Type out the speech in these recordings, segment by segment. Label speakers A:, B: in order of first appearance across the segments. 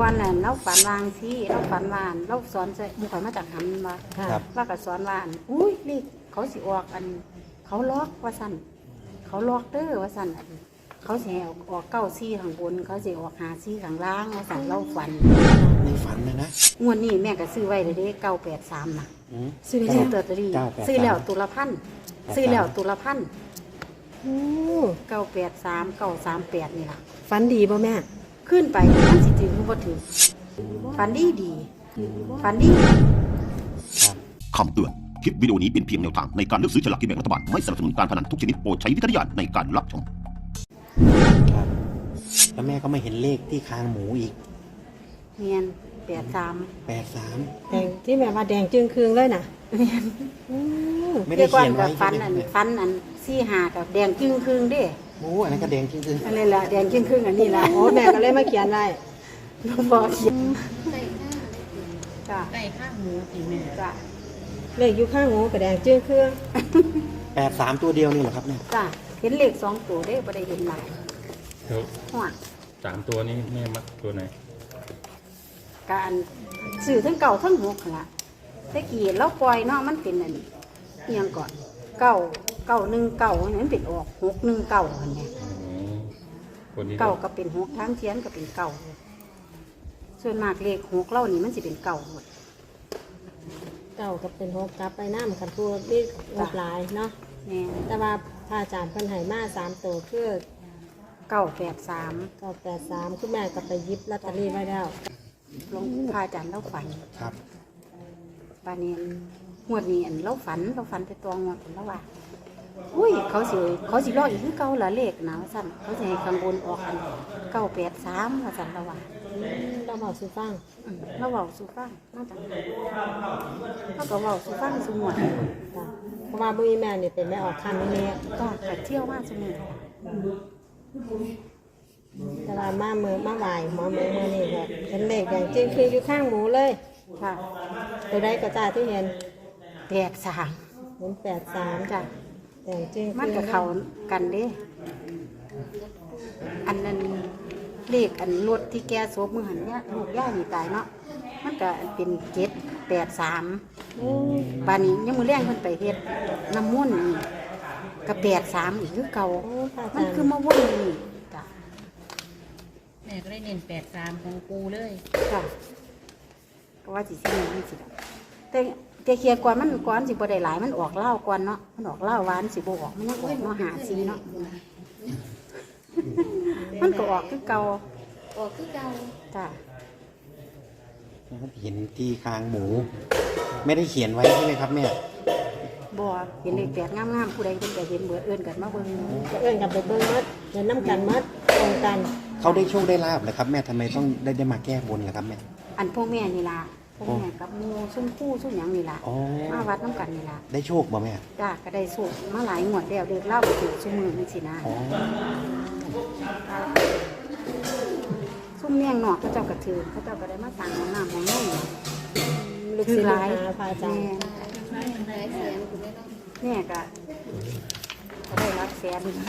A: ก่อนน่ะเราฝันวางที่เราฝันวานเราสอนใส่บุคคลมาจากหันมา
B: ครับ
A: ว่าก็สอนวานอุ้ยเลขเขาสิออกอัน เขาล็อกว่าสั่นเขาล็อกเด้อว่าสั่นเขาสิออก9 4ข้างบนเขาสิออก5 4ข้างล่างว่าสั่นเราฝัน
B: ในฝันนะ
A: งวดนี้แม่ก็ซื้อไว้เลยเด้983น่ะ
B: อืม
A: ซื้อเตอร์ตรี
B: 983
A: ซื้อแล้วตุลพันซื้อแล้วตุลพัน
C: โอ้
A: 983 938นี่ล่ะ
C: ฝันดีบ่แม่
A: ขึ้นไปมันสิถึงบ่ถึงฝันดีดีฝันดี
B: ครับ
D: คำเตือน คลิปวิดีโอนี้เป็นเพียงแนวทางในการเลือกซื้อฉลากกินแบ่งรัฐบาล ไม่สนับสนุนการพนันทุกชนิดโปรดใช้วิจารณญาณในการรับชม
B: ครับ แล้วแม่ก็มาเห็นเลขที่คางหมูอีก
A: เมียน83
B: 83
C: แดงที่แม่ว่าแดงจึงคืงเลยน่ะ
A: เมียน
C: โอ้
B: ไม่ได้เขียนไว้
A: ฟัน
B: ใช่ไหม
A: ฟันอัน4-5กับแดงจึงครึ่งเด้
B: โอ้อันนั้นก็แดงจริง
A: อันนี้ล่ะแดงจึงครึ่งอันนี้ล่ะ
C: โอ้แม่ก็เลยมาเขียนไว้
A: บ่เขียนจ้ะ
E: ไก่ข้างหมูสิแม่
A: จ้ะ
C: เลขอยู่ข้างหูก็แดงจึงคืง
B: ๆ83 ตัวเดียวนี่เหรอครับเนี่ย
A: จ้ะเห็นเลข2ตัวเด้บ่ได้เห็นหลาย
F: เดี๋ยว
A: ฮอด
F: 3 ตัวนี้แม่มักตัวไหน
A: การซื้อทั้งเก่าทั้งหกหั่นล่ะแต่กี้เราปล่อยเนาะมันเป็นอันเอียงก่อน9 มันเป็นออก619อันเนี้ย
F: อ๋อคนนี้
A: เก่าก็เป็นหกทั้งเทียนก็เป็นเก่าส่วนมากเลขหกเล่านี่มันสิเป็นเก่าหมด
C: เก่าก็เป็นหกกลับไปน้ำกันพูดนี่งบหลายเนาะ
A: แม่
C: แต่ว่าพระอาจารย์เพิ่นให้มา3ตัวคือ
A: 983
C: 983คุณแม่ก็ไปหยิบลอตเตอรี่ไว้แล้ว
A: หลวงพระอาจารย์เล่าฝัน
B: ครับ
A: บานนี้งวดนี้อันเล่าฝันไปตัวงวดผมแล้วว่าอุ้ยเขาสิรออีกคือเก่าละเลขนะว่าสั่นเขาสิให้ข้างบนออกอัน983ว่าสั่นแล้วว่า
C: เราบอกสุฟัง
A: เราเว้าสู่ฟังมาจังเขาก็เว้าสู่ฟังสู่งวด
C: จ้ะเพราะว่าบุ้ยแม่นี่เป็นแม่ออกคันนี่
A: ก็เที่ยวมาสู่มื้อ
C: แต่ว่ามามือมาไหวหมอมือนี่แบบเป็นเลขแดงจึงคืงอยู่ข้างหมูเลย
A: ค่ะ
C: ตัวใดก็จ้าที่เห็น
A: 83
C: เห็น83
A: จ้ะ
C: แดงจึง
A: มันกับเขากันเด้ อันนั้นเลขอันรถที่แกโซบมือหันเนี่ยลูกย่านี่ตายเนาะ มันก็เป็น783บานนี้ยังมือแรงเพิ่นไปเฮ็ดน้ำมุ่นต์นี่ก็83อีกคือเก่า
C: โอ้พระอา
A: มั
C: จาน รย์
A: คือมาวนอยู่นี่จ้ะ
E: แม่ก็ได้เน้น83ของปูเลย
A: จ้ะก็ว่าสิสิมันสิดอกแต่เคลียร์ก่อนมันก่อนสิบ่ได้หลายมันออกเหล้าก่อนเนาะ มันออกเหล้าหวานสิบ่ออกมันยังออกเนาะ54เนาะ มันก็ออกคือเก่า
E: ออกคือเก่า
A: จ้ะ
B: เห็นที่คางหมู ไม่ได้เขียนไว้ใช่ไหมครับแม่
A: บ่เห็นเลขแปดงามๆผู้ใดเพิ่นก็เห็นเบิดเอิ้นกันมาเบิ่ง
C: จะเอื้อนกันไปเบิ้งมัดเดินน้ำกันมัดตรงกัน
B: เขาได้โชคได้ลาบเหรอครับแม่ทำไมต้องได้มาแก้บนล่ะครับแม่
A: อันพวกแม่นี่ล่ะพวกแม่กับหมู่ซุ่มคู่ซุ่มหยังนี่ล่ะ
B: อ๋อ
A: มาวัดน้ำกันนี่ล่ะ
B: ได้โชคบ่แม่
A: จ้ะก็ได้สูตรมาหลายงวดแล้วเด็กเล่าไปถึงซุมื้อนี่สินะ
B: อ๋อ
A: ซุ่มเมี่ยงนอกเขาเจ้าก็ถือเขาเจ้าก็ได้มาสั่งของน้ำของนม
C: ลูก
A: ถื
C: ศิ
A: อ
C: ษย์
A: ห
C: ลู
A: ลาก ย
C: หาพระอาจารย์
A: แม่ก็ได้รับแสน
C: พระ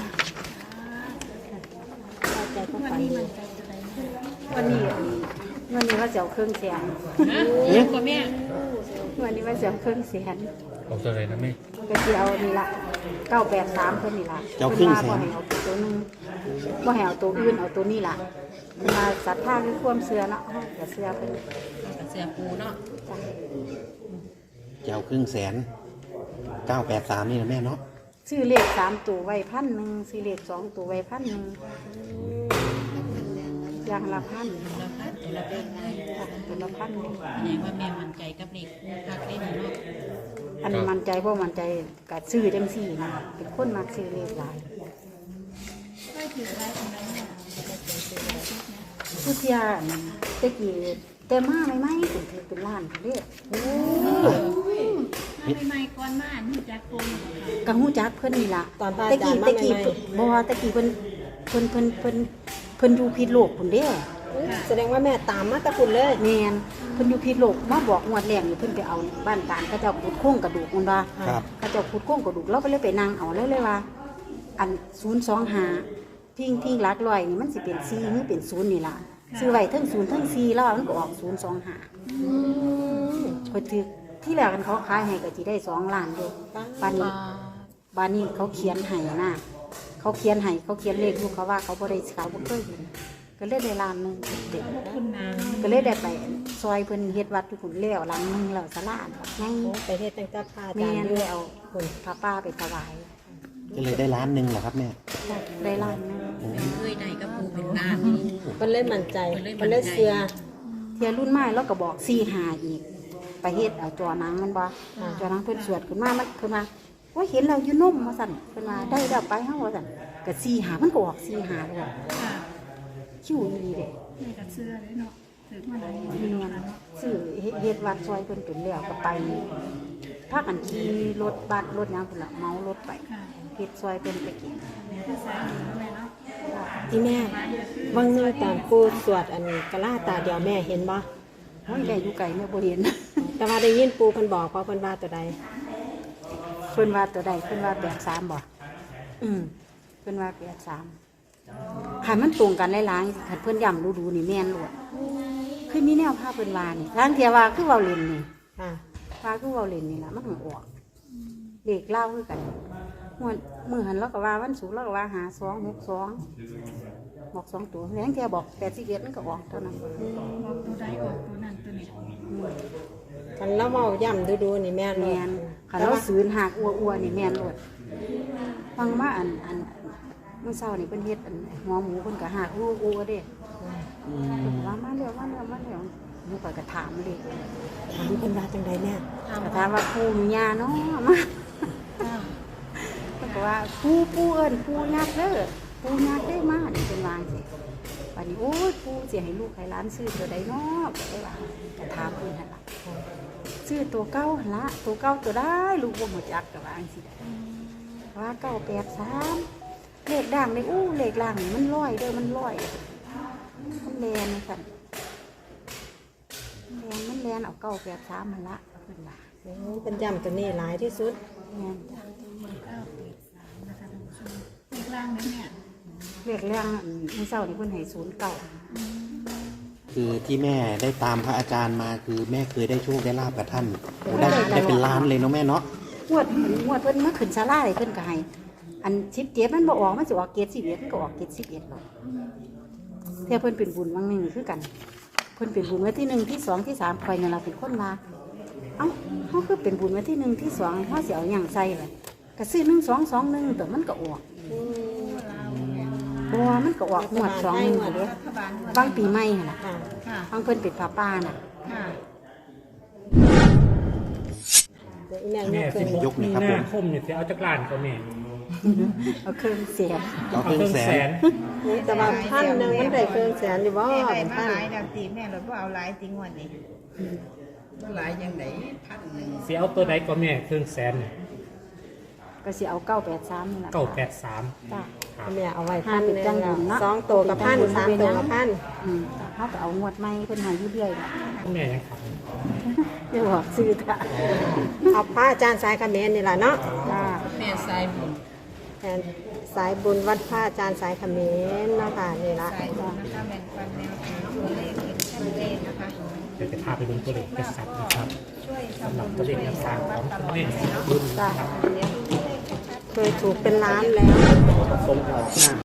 C: อาจารย์ก็ฝันดี
A: วันนี้ว่าเสียวเครื่องแสน
E: เยอะกว่าแม่
A: วันนี้ว่าเสียวเครื่องแสน
F: เอาตัวไหนนะแม่
A: ก็สิเอานี่ล่ะ983เพิ่นนี่ล่ะ
B: เจ้าครึ่งแสน
A: เพิ่นว่าบ่ให้เอาตัวนึงบ่ให้เอาตัวอื่นเอาตัวนี้ล่ะเพิ่นว่าศรัทธาคือความเชื่อเนาะเฮาก็เชื่อเพิ่น
E: กับเสือปูเนาะ
A: จ้ะ
B: จะเอา100,000 983นี่นะแม่เนาะ
A: ซื้อเลข3ตัวไว้1,000ซื้อเลข2ตัวไว้1,000อย่างละ1,000
E: เราคัดตัวละเป็นไง
A: จ้ะตัวละ1,000
E: แสดงว่าแม่มั่นใจกับเด็กปูคักได้หน่อยเนาะ
A: อันนี้มั่นใจบ่มั่นใจก็ซื้อจังซี่นะเป็นคนมักซื้อเลขหลายผู้เสียนั่นตะกี้แต่มาใหม่ๆถึงถือเป็นล้านเด้อ
E: ใหม่ๆก่อนมาหูจักปู
A: ก็ฮู้จักเพิ่นนี่ล่ะ
C: ตอนพระอาจารย์มา
A: ตะกี้
C: ใหม่
A: บ่ว่าตะกี้เพิ่นอยู่พิษโลกพุ่นเด้
C: แสดงว่าแม่ตามมาแตะคุณเลย
A: แม่นเพิ่นอยู่พิษโลกมาบอกงวดแรกนี่เพิ่นไปเอาบ้านตาลเขาเจ้าขุดโครงกระดูกมันว่า
B: ครับ
A: เขาเจ้าขุดโครงกระดูกเราก็เลยไปนั่งเอาเลยว่า อัน025พิงหลักร้อยนี่มันสิเป็น4หรือเป็น0นี่ล่ะซื้อไว้ทั้ง0ทั้ง4แล้วมันก็ออก025ก็ถือที่แรกกันเขาขายให้ก็สิได้2ล้านอยู่ปานนี้เขาเขียนให้นะเขาเขียนให้เขาเขียนเลขลูกเขาว่าเขาบ่ได้เขาบ่เคยเห็นก็เลยได้ล้านหนึงเด็ก
E: คุณนา
A: ก็เลยได้ไปซอยเพิ่นเฮ็ดวัดอยู่พุ่นแล้วหลังนึงแล้วศาลาไง
C: โอ้ไปเฮ็ดตั้งแต่พระอา
A: แม่
C: จารย์
A: น
C: อยู่
A: เลยเอาพระป้าไปถวาย
B: ก็เลยได้ล้านหนึ่งเหรอครับแม่
A: ได้ล้านหนึง
E: แม่เคยได้กับปูเป็นล้าน
C: เพิ่นเลยมั่นใจ
E: เพิ่นเลยมั่
C: เพิ่น
E: นใจ
C: เลยเชื่อ
A: เทียรุ่นใหม่แล้วก็บอก4-5อีกไปเฮ็ดเอาจอหนังมันบ่จอหนังเพิ่นสวดขึ้นมามันขึ้นมาว่าเห็นเราอยู่นมว่าซั่นเพิ่นว่าได้แล้วไปเฮาว่าซั่นก็4-5มันก็ออก4-5เลย
E: ค่ะ
A: คิวอีหลีเด้
E: แม่ก็เชื่อเลยเนาะถือมาหลายงวด
A: มี
E: แล้ว
A: เงิน
E: เนาะ
A: ซื้อเฮ็ดวัดซอยเพิ่นเป็นแล้วก็ไปพากันขี่รถบัสรถหยังพุ่นล่ะเมารถไป
E: ค่ะ
A: เฮ็ดซอยเพิ่นไปกิน
E: แม่ก็สายดีแม่เนาะ
C: ที่แม่บางนึงตอนปูสวดอันกะลาตาเดียวแม่เห็นบ่
A: โอ้ยได้อยู่ไกลแม่บ่เห็น
C: แต่ว่าได้ยินปูเพิ่นบอกว่าเพิ่นว่าตัวใด
A: เพิ่นว่าตัวใดเพิ่นว่า83บ่เพิ่นว่า83ให้มันตรงกันหลายๆคันเพิ่นย้ำดูๆนี่แม่นโลดคือมีแนวพาเพิ่นว่านี่ทางเที่ยว่าคือเว้าเล่นนี่
C: ค่ะ
A: ว่าคือเว้าเล่นนี่ล่ะมันก็ออกเลขเล่าคือกันมื้อหันเราก็ว่าวันศุกร์เราก็ว่า5262บอก2ตัวแล้วเที่ยบอก81มันก็ออกเท่านั้น
E: บอกตัวใดออกตัวนั้นตัวนี้
C: คันเราเว้าย่ำดูๆนี่แม่นบ่
A: แม่นคันเราศูนย์หักอัวๆนี่แม่นโลดฟังมาอันเมื่อเช้านี่เพิ่นเฮ็ดอันหัวหมูเพิ่นก็หักอัวๆเด้เพิ่นว่ามาแล้วหนูก็ถามเลย
C: ถามเพิ่นว่าจังใดแม่
A: ก็ถามว่าปู่มีญาเนาะมา เพิ่นก็ว่าปู่เอิ้นปู่ยักษ์เด้อปู่ยักษ์ได้มานี่เพิ่นว่าจังซี่บัดนี้โอ้ยปู่สิให้ลูกให้หลานซื้อตัวใดเนาะก็ได้ว่าก็ถามเพิ่นหั่นล่ะซื้อตัวเก่าหั่นล่ะตัวเก่าตัวได้ลูกบ่รู้จักก็ว่าจังซี่ว่า983เลขด่างนี่เลขล่างนี่มันร้อยเด้อมันร้อยมันแลนสั่นมันแลนเอา983หั่นล่ะเพิ่นว่า
C: เป็นย่ำตัวนี้หลายที่สุด
A: แม่นจ้ะ
E: 983นะคะท่านผู้ชมเลขล่างนั้นเนี่ย
A: เรียกเรื่องเมื่อเช้านี่เพิ่นให้09
B: คือที่แม่ได้ตามพระอาจารย์มาคือแม่เคยได้โชคได้ลาบกับท่านโอ้ได้เป็นล้านเลยเนาะแม่เนาะ
A: งวดเพิ่นมาขึ้นศาลาเลยเพิ่นก็ให้อัน17มันบ่ออกมันสิออกเกต11มันก็ออกเกต11หรอกเท่าเพิ่นเป็นบุญบางหนึงคือกันเพิ่นเป็นบุญไว้ที่1ที่2ที่3ข่อยนั่นล่ะเป็นคนมาเอ้าเฮาคือเป็นบุญไว้ที่1ที่2เฮาสิเอาหยังใส่ล่ะก็ซื้อ1221แต่มันก็ออกบ่ว่ามันก็ออกงวด21เด้บางปีใหม่หั่นล่ะ
C: ค่ะ
E: ค่ะ
A: บางเพิ่นเป็นผ้าป่าน่ะ
E: ค่ะ
C: เดี๋ยวอีแม่
G: แม่
C: ยกขึ้น
B: ยกหน่อยครับ
G: ห
B: ผ
G: น้าม คมเนี่ยจะเอาจักรานก็แม่
A: เอาเครื่องเสียง
B: เอาครึ่งแสน
C: นี่แต่ว่าพันหนึงมันได้เครื่องแสนอยู่บ่
H: แม่ได้มา
C: พัน
H: หลายแล้วตีแม่รถว่าเอาหลายติงวันนี้ว่าหลายยังไง1,000
G: สิเอาตัวใดก็แม่เครื่องแสน
A: ก็สิเอา983นี่ล่ะ
G: 983
A: จ้ะ
C: แม่เอาไว้พันหนึง
A: จังบุญเนาะ
C: สองตัวกับพันสามตัวกับพัน
A: เฮาก็เอางวดใหม่เพิ่นให้อยู่เรื่อยล่ะ
G: แม่ยังขับ
A: อย่าบอกซื้อจ้ะ
C: เอาพระอาจารย์สายเขมรนี่ล่ะเนาะ
A: จ้า
H: แม่สายบุญ
C: แทนสายบุญวัดพระอาจารย์สายเขมรเนาะค่ะนี่ล่ะ
H: สายบุญนะคะแบ่งปันแนวทางตัวเลขเห็นชัดเจนนะคะ
G: เดี๋ยวจะพาไปดูตัวเลขกระสับนะครับ
H: ช่วย
G: สำหรับ
H: ทำ
G: ตัว
H: บุ
G: เล
H: ญ
G: ข
H: ช่วย
G: แนวทาง
H: สร้าง
G: ข
H: วั
G: อ
H: ด
G: ง
H: ตลอ
G: แม่
H: ดเลยเนาะ
G: บุญ
A: จ้า
H: เดี๋ยวดูเลขชัดๆ
C: เคยถูกเป็นล้านแล้ว
G: ทรงออกหน้า